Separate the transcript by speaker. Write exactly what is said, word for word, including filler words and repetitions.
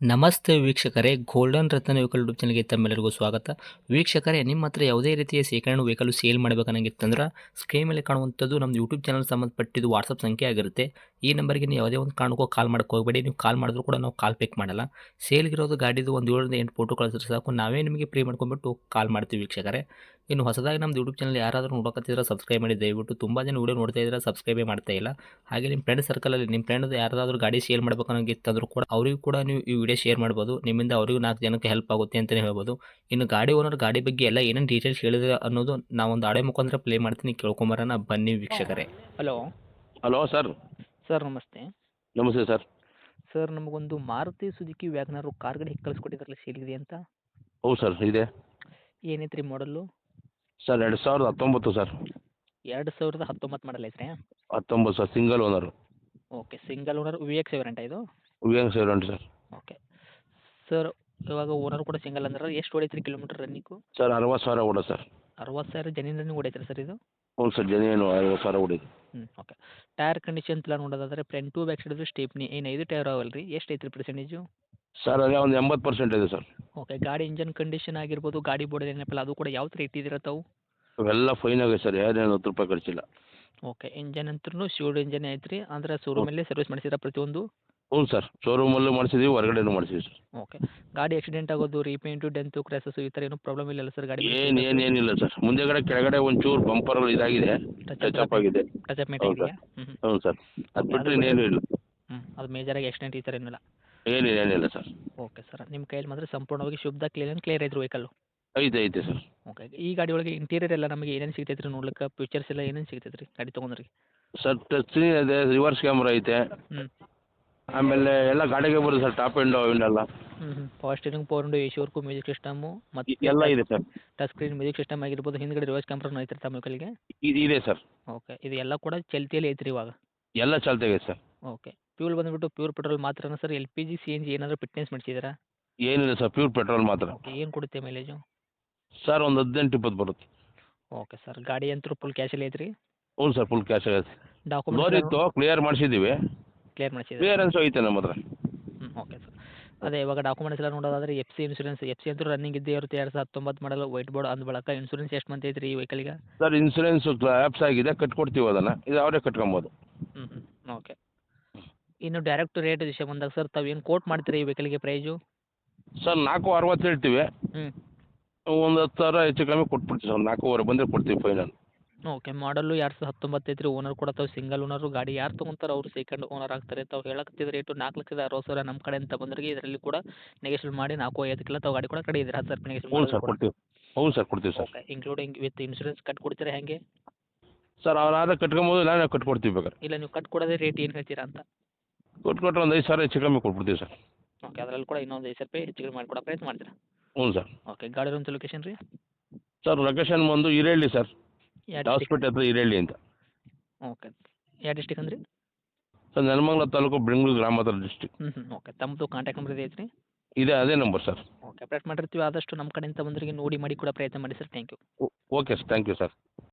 Speaker 1: ನಮಸ್ತೆ ವೀಕ್ಷಕರೇ, ಗೋಲ್ಡನ್ ರತ್ನ vehicle YouTube ಚಾನಲ್ಗೆ ತಮ್ಮೆಲ್ಲರಿಗೂ ಸ್ವಾಗತ. ವೀಕ್ಷಕರೇ, ನಿಮ್ಮ ಹತ್ರ ಯಾವುದೇ ರೀತಿಯ ಶೇಖರಣೆ ವೆಹಿಕಲ್ ಸೇಲ್ ಮಾಡಬೇಕನ್ನಂಗಿತ್ತಂದ್ರೆ ಸ್ಕ್ರೀನ್ ಮೇಲೆ ಕಾಣುವಂಥದ್ದು ನಮ್ಮ ಯೂಟ್ಯೂಬ್ ಚಾನಲ್ ಸಂಬಂಧಪಟ್ಟಿದ್ದು ವಾಟ್ಸಪ್ ಸಂಖ್ಯೆ ಆಗಿರುತ್ತೆ. ಈ ನಂಬರ್ಗೆ ನೀವು ಯಾವುದೇ ಒಂದು ಕಾರಣಕ್ಕೂ ಕಾಲ್ ಮಾಡೋಕ್ಕೆ ಹೋಗಬೇಡಿ. ನೀವು ಕಾಲ್ ಮಾಡಿದ್ರು ಕೂಡ ನಾವು ಕಾಲ್ ಪಿಕ್ ಮಾಡಲ್ಲ. ಸೇಲ್ಗಿರೋದು ಗಾಡಿದು ಒಂದು ಏಳರಿಂದ ಎಂಟು ಫೋಟೋ ಕಳಿಸಿದ್ರೆ ಸಾಕು, ನಾವೇ ನಿಮಗೆ ಪ್ರೀ ಮಾಡ್ಕೊಂಡ್ಬಿಟ್ಟು ಕಾಲ್ ಮಾಡ್ತೀವಿ ವೀಕ್ಷಕರೇ. ಇನ್ನು ಹೊಸದಾಗಿ ನಮ್ಮದು ಯೂಟ್ಯೂಬ್ ಚಾನಲ್ ಯಾರಾದರೂ ನೋಡೋಕತ್ತಿದ್ರೆ ಸಬ್ಸ್ಕ್ರೈಬ್ ಮಾಡಿ ದಯವಿಟ್ಟು. ತುಂಬ ಜನ ವೀಡಿಯೋ ನೋಡ್ತಾ ಇದ್ದಾರೆ, ಸಬ್ಸ್ಕ್ರೈಬೇ ಮಾಡ್ತಾ ಇಲ್ಲ. ಹಾಗೆ ನಿಮ್ಮ ಫ್ರೆಂಡ್ ಸರ್ಕಲಲ್ಲಿ ನಿಮ್ಮ ಫ್ರೆಂಡ್ ಯಾರಾದರೂ ಗಾಡಿ ಸೇಲ್ ಮಾಡಬೇಕನ್ನೋಂಗಿತ್ತಂದ್ರೂ ಕೂಡ ಅವರಿಗೂ ಕೂಡ ನೀವು ಈ ವಿಡಿಯೋ ಶೇರ್ ಮಾಡ್ಬೋದು. ನಿಮ್ಮಿಂದ ಅವರಿಗೂ ನಾಲ್ಕು ಜನಕ್ಕೆ ಹೆಲ್ಪ್ ಆಗುತ್ತೆ ಅಂತಲೇ ಹೇಳ್ಬೋದು. ಇನ್ನು ಗಾಡಿ ಓನರ್ ಗಾಡಿ ಬಗ್ಗೆ ಎಲ್ಲ ಏನೇನು ಡೀಟೇಲ್ಸ್ ಹೇಳಿದ್ರೆ ಅನ್ನೋದು ನಾವೊಂದು ಆಡೆ ಮುಖಾಂತರ ಪ್ಲೇ ಮಾಡ್ತೀನಿ, ಕೇಳ್ಕೊಂಬರೋಣ ಬನ್ನಿ ವೀಕ್ಷಕರೇ. Hello
Speaker 2: hello sir.
Speaker 1: ಸರ್ ನಮಸ್ತೆ.
Speaker 2: ನಮಸ್ತೆ ಸರ್.
Speaker 1: ಸರ್ ನಮಗೊಂದು ಮಾರುತಿ ಸುಜುಕಿ ವ್ಯಾಗ್ನರು ಕಾರ್ ಗಾಡಿ ಕಳಿಸ್ಕೊಟ್ಟಿದ್ರಲ್ಲ, ಸೇಲ್ಗಿದೆ ಅಂತ.
Speaker 2: ಹೌದು ಸರ್, ಇದೆ.
Speaker 1: ಏನೈತೆ ರೀ ಮಾಡಲ್ಲು?
Speaker 2: ಸರ್ ಎರಡು ಸಾವಿರದ ಹತ್ತೊಂಬತ್ತು ಸರ್.
Speaker 1: ಎರಡು ಸಾವಿರದ ಹತ್ತೊಂಬತ್ತು ಮಾಡಲ್ ಐತ್ರಿ?
Speaker 2: ಹತ್ತೊಂಬತ್ತು ಸರ್, single owner.
Speaker 1: Okay, single owner V X variant ಇದು?
Speaker 2: ವಿ ಎನ್ ಸೆವೆನ್ ಉಂಟು ಸರ್.
Speaker 1: ಓಕೆ ಸರ್, ಇವಾಗ ಓನರ್ ಕೂಡ ಸಿಂಗಲ್ ಅಂದ್ರೆ ಎಷ್ಟು ಹೊಡೈತ್ರಿ ಕಿಲೋಮೀಟರ್ ರನ್ನಿಂಗು?
Speaker 2: ಸರ್ ಅರವತ್ತು ಸಾವಿರ ಓಡ ಸರ್.
Speaker 1: ಅರವತ್ತು ಸಾವಿರ ಜನಿನ್ ರನ್ನಿಂಗ್ ಹೊಡೈತ್ರಿ ಸರ್ ಇದು?
Speaker 2: ಹ್ಞೂ ಸರ್, ಜನೇನು ಐವತ್ತು ಸಾವಿರ ಓಡಿದೆ.
Speaker 1: ಹ್ಞೂ ಓಕೆ. ಟೈರ್ ಕಂಡೀಷನ್ ಎಲ್ಲ ನೋಡೋದಾದ್ರೆ front to back side stepney ಏನು ಐದು ಟೈರ್ ಅವಲ್ಲ ರೀ? ಎಷ್ಟು ಐತ್ರಿ ಪರ್ಸೆಂಟೇಜು?
Speaker 2: ಸರ್ ಅದೇ ಒಂದು ಎಂಬತ್ತು ಪರ್ಸೆಂಟ್ ಇದೆ ಸರ್.
Speaker 1: ಓಕೆ, ಗಾಡಿ ಇಂಜನ್ ಕಂಡೀಷನ್ ಆಗಿರ್ಬೋದು, ಗಾಡಿ ಬೋರ್ಡ್ ಏನಪ್ಪಲ್ಲ ಅದು ಕೂಡ ಯಾವ ಥರ ಇಟ್ಟಿದ್ದೀರ ತಾವು?
Speaker 2: ಅವೆಲ್ಲ ಫೈನ್ ಆಗಿದೆ ಸರ್, ಏನೇನು ಹತ್ತು ರೂಪಾಯಿ ಖರ್ಚಿಲ್ಲ.
Speaker 1: ಓಕೆ, ಇಂಜನ್ ಅಂತೂ ಶಿವಡ್ ಇಂಜನ್ ಐತ್ರಿ, ಅಂದ್ರೆ ಶೋರೂಮಲ್ಲೇ ಸರ್ವಿಸ್ ಮಾಡಿಸಿರ ಪ್ರತಿಯೊಂದು?
Speaker 2: ಹ್ಞೂ ಸರ್, ಶೋರೂಮಲ್ಲೂ ಮಾಡಿಸಿದ್ದೀವಿ, ಹೊರಗಡೆನೂ ಮಾಡಿಸಿದ್ದೀವಿ ಸರ್.
Speaker 1: ಓಕೆ, ಗಾಡಿ ಆಕ್ಸಿಡೆಂಟ್ ಆಗೋದು, ರೀಪೇಂಟು, ಡೆಂತು, ಕ್ರ್ಯಾಸಸ್ಸು ಈ ಥರ ಏನೂ ಪ್ರಾಬ್ಲಮ್ ಇಲ್ಲ ಸರ್ ಗಾಡಿ?
Speaker 2: ಏನು ಏನು ಏನಿಲ್ಲ ಸರ್. ಮುಂದೆಗಡೆ ಕೆಳಗಡೆ ಒಂಚೂರು ಬಂಪರ್ ಇದಾಗಿದೆ, ಟಚ್ ಅಪ್ ಆಗಿದೆ.
Speaker 1: ಟಚ್ ಅಪ್ ಮೇಟ್
Speaker 2: ಹೌದು
Speaker 1: ಆಗಿದೆಯಾ? ಹ್ಞೂ ಹ್ಞೂ
Speaker 2: ಹ್ಞೂ ಸರ್, ಅದು ಬಿಟ್ಟರೆ ಇನ್ನೇನು ಇಲ್ಲ.
Speaker 1: ಹ್ಞೂ ಅದು ಮೇಜರಾಗಿ ಆಕ್ಸಿಡೆಂಟ್ ಈ ಥರ ಏನಿಲ್ಲ?
Speaker 2: ಏನಿಲ್ಲ ಏನಿಲ್ಲ ಸರ್.
Speaker 1: ಓಕೆ ಸರ್, ನಿಮ್ಮ ಕೈಯಲ್ಲಿ ಮಾತ್ರ ಸಂಪೂರ್ಣವಾಗಿ ಶುದ್ಧ ಕ್ಲೀನ್ ಕ್ಲಿಯರ್ ಐತ್ರಿ ವೆಹಿಕಲ್ಲು?
Speaker 2: ಐತೆ ಐತೆ ಸರ್.
Speaker 1: ಓಕೆ, ಈ ಗಾಡಿ ಒಳಗೆ ಇಂಟೀರಿಯರ್ ಎಲ್ಲ ನಮಗೆ ಏನೇನು ಸಿಗ್ತೈತೆ ರೀ ನೋಡ್ಲಿಕ್ಕೆ? ಫೀಚರ್ಸ್ ಎಲ್ಲ ಏನೇನು ಸಿಗ್ತೈತೆ ರೀ ಗಾಡಿ ತೊಗೊಂಡ್ರಿ?
Speaker 2: ಸರ್ ಟಚ್ ಸ್ಕ್ರೀನ್ ಇದೆ, ರಿವರ್ಸ್ ಕ್ಯಾಮ್ರಾ ಐತೆ.
Speaker 1: ಹ್ಞೂ
Speaker 2: ಆಮೇಲೆ ಎಲ್ಲ ಗಾಡಿಗೆ ಬರುತ್ತೆ ಸರ್, ಟಾಪ್ ಎಂಡು ಅವನ್ನೆಲ್ಲ
Speaker 1: ಹ್ಞೂ ಹ್ಞೂ power steering, power window, A C work, music system ಮತ್ತು
Speaker 2: ಎಲ್ಲ ಇದೆ sir.
Speaker 1: Touch screen music system ಆಗಿರ್ಬೋದು, ಹಿಂದ್ಗಡೆ ರಿವರ್ಸ್ ಕ್ಯಾಮ್ರಾನು ಐತ್ರಿ ತಮ್ಮ ವೆಹಿಕಲ್ಗೆ?
Speaker 2: ಇದು ಇದೆ ಸರ್.
Speaker 1: ಓಕೆ, ಇದು ಎಲ್ಲ ಕೂಡ ಚಲ್ತಿಯಲ್ಲಿ ಐತ್ರಿ ಇವಾಗ?
Speaker 2: ಎಲ್ಲ ಚಾಲ್ತಿಯಾಗಿದೆ ಸರ್.
Speaker 1: ಓಕೆ, ಫ್ಯೂಲ್ ಬಂದುಬಿಟ್ಟು ಪ್ಯೂರ್ ಪೆಟ್ರೋಲ್ ಮಾತ್ರನಾ sir? L P G, C N G ಏನಾದರೂ ಫಿಟ್ನೆಸ್ ಮಾಡಿಸಿದ್ದೀರಾ?
Speaker 2: ಏನಿಲ್ಲ ಸರ್, ಪ್ಯೂರ್ ಪೆಟ್ರೋಲ್ ಮಾತ್ರ.
Speaker 1: ಓಕೆ, ಏನು ಕೊಡುತ್ತೆ ಮೈಲೇಜು?
Speaker 2: ಸರ್ ಒಂದು ಹದಿನೆಂಟು ಇಪ್ಪತ್ತು ಬರುತ್ತೆ.
Speaker 1: ಓಕೆ ಸರ್, ಗಾಡಿ ಅಂತೂ ಫುಲ್ ಕ್ಯಾಶಲ್ಲಿ ಐತ್ರಿ?
Speaker 2: ಹ್ಞೂ ಸರ್, ಫುಲ್ ಕ್ಯಾಶ್ ಆಗುತ್ತೆ. ಲೋನ್
Speaker 1: ಡಾಕ್ಯುಮೆಂಟ್ಸ್
Speaker 2: ಇತ್ತು, ಕ್ಲಿಯರ್ ಮಾಡಿಸಿದ್ದೀವಿ.
Speaker 1: ಕ್ಲಿಯರ್ ಮಾಡಿಸಿದ್ದೀರಾ?
Speaker 2: ಕ್ಲಿಯರೆನ್ಸು ಐತೆ ನಮ್ಮ ಹತ್ರ.
Speaker 1: ಹ್ಞೂ ಓಕೆ ಸರ್. ಅದೇ ಇವಾಗ ಡಾಕ್ಯುಮೆಂಟ್ಸ್ ಎಲ್ಲ ನೋಡೋದಾದ್ರೆ F C insurance, F C ಅಂತೂ ರನ್ನಿಂಗ್ ಇದ್ದೇ ಇರುತ್ತೆ. ಎರಡು ಸಾವಿರದ ಹತ್ತೊಂಬತ್ತು ಮಾಡಲು ವೈಟ್ ಬೋರ್ಡ್ ಅಂದ ಬಳಕ ಇನ್ಶೂರೆನ್ಸ್ ಎಷ್ಟು ಮಂತ್ ಐತ್ರಿ ಈ ವೆಹಿಕಲ್ಗೆ?
Speaker 2: ಸರ್ ಇನ್ಸೂರೆನ್ಸು ಆ್ಯಪ್ಸ್ ಆಗಿದೆ, ಕಟ್ಕೊಡ್ತೀವಿ ಅದನ್ನು, ಇದು ಅವರೇ ಕಟ್ಕೊಬೋದು.
Speaker 1: ಹ್ಞೂ ಹ್ಞೂ ಓಕೆ. ಇನ್ನು ಡೈರೆಕ್ಟ್ ರೇಟ್ ವಿಷಯ ಬಂದಾಗ ಸರ್, ತಾವು ಏನು ಕೋಟ್ ಮಾಡ್ತೀರಿ ಈ ವೆಹಿಕಲ್ಗೆ ಪ್ರೈಜು?
Speaker 2: ಸರ್ ನಾಲ್ಕು ಅರವತ್ತು ಹೇಳ್ತೀವಿ.
Speaker 1: ಹ್ಞೂ
Speaker 2: ಒಂದು ಹತ್ತು ಸಾವಿರ ಹೆಚ್ಚು ಕಮ್ಮಿ ಕೊಟ್ಬಿಡ್ತೀವಿ ಸರ್, ನಾಲ್ಕೂವರೆ ಬಂದರೆ ಕೊಡ್ತೀವಿ ಫೈನಲ್.
Speaker 1: ಓಕೆ, ಮಾಡಲು ಎರಡು ಸಾವಿರದ ಹತ್ತೊಂಬತ್ತು ಐತ್ರಿ. ಓನರ್ ಕೂಡ ತಾವು ಸಿಂಗಲ್ ಓನರು. ಗಾಡಿ ಯಾರು ತೊಗೊಂತಾರೆ ಅವರು ಸೆಕೆಂಡ್ ಓನರ್ ಆಗ್ತಾರೆ. ತಾವು ಹೇಳಕತ್ತಿದ ರೇಟು ನಾಲ್ಕು ಲಕ್ಷದ ಅರವತ್ತು ಸಾವಿರ ನಮ್ಮ ಕಡೆಯಿಂದ ಬಂದ್ರಿಗೆ ಇದರಲ್ಲಿ ಕೂಡ ನೆಗೆಶ್ವಲ್ ಮಾಡಿ ನಾಲ್ಕು ಐದಕ್ಕೆಲ್ಲ ತಾವು ಗಾಡಿ ಕೂಡ ಕಡೆ ಇದ್ದೀರಾ? ಹತ್ತು ಸಾವಿರ ನೆಗೆಶ್ವಲ್
Speaker 2: ಹ್ಞೂ ಸರ್ ಕೊಡ್ತೀವಿ. ಹ್ಞೂ ಸರ್ ಕೊಡ್ತೀವಿ sir.
Speaker 1: Okay, including with insurance cut ಕೊಡ್ತೀರಾ ಹೆಂಗೆ?
Speaker 2: ಸರ್ ಅವ್ರು ಆದ್ರೆ ಕಟ್ಕೊಬೋದು, ನಾನೇ ಕಟ್ಕೊಡ್ತೀವಿ ಬೇಕಾದ್ರೆ.
Speaker 1: ಇಲ್ಲ ನೀವು ಕಟ್ ಕೊಡೋದೇ ರೇಟ್ ಏನು ಹೇಳ್ತೀರಾ ಅಂತ?
Speaker 2: ಕೊಟ್ಕೊಟ್ರೆ ಒಂದು ಐದು ಸಾವಿರ ಹೆಚ್ಚು ಕಮ್ಮಿ ಕೊಟ್ಬಿಡ್ತೀವಿ ಸರ್.
Speaker 1: ಓಕೆ, ಅದರಲ್ಲಿ ಕೂಡ ಇನ್ನೊಂದು ಐದು ಸಾವಿರ ರೂಪಾಯಿ ಹೆಚ್ಚಿಗೆ ಮಾಡಿಕೊಡೋ ಪ್ರಯತ್ನ ಮಾಡ್ತೀರಾ?
Speaker 2: ಹ್ಞೂ ಸರ್.
Speaker 1: ಓಕೆ, ಗಾಡಿ ಇರೋಂಥ ಲೊಕೇಶನ್ ರೀ?
Speaker 2: ಸರ್ ಲೊಕೇಶನ್ ಬಂದು ಹಿರೇಹಳ್ಳಿ ಸರ್,
Speaker 1: ಯಾವ ಡಿಸ್ಟಿಕ್?
Speaker 2: ಹಾಸ್ಪಿಟಲ್ ಹತ್ರ ಹಿರೇಹಳ್ಳಿ ಅಂತ.
Speaker 1: ಓಕೆ, ಯಾವ ಡಿಸ್ಟಿಕ್ ಅಂದ್ರಿ?
Speaker 2: ಸರ್ ನೆಲಮಂಗಲ ತಾಲೂಕು, ಬೆಂಗಳೂರು ಗ್ರಾಮಾಂತರ ಡಿಸ್ಟಿಕ್.
Speaker 1: ಹ್ಞೂ ಹ್ಞೂ ಓಕೆ, ತಮ್ಮದು ಕಾಂಟ್ಯಾಕ್ಟ್ ನಂಬರ್ ಇದೆ ಐತ್ರಿ?
Speaker 2: ಇದೆ, ಅದೇ ನಂಬರ್ ಸರ್.
Speaker 1: ಓಕೆ, ಅಪ್ಡೇಟ್ ಮಾಡಿರ್ತೀವಿ. ಆದಷ್ಟು ನಮ್ಮ ಕಡೆಯಿಂದ ಬಂದವರಿಗೆ ನೋಡಿ ಮಾಡಿ ಕೊಡೋ ಪ್ರಯತ್ನ ಮಾಡಿ sir. Thank you.
Speaker 2: Okay sir, thank you sir.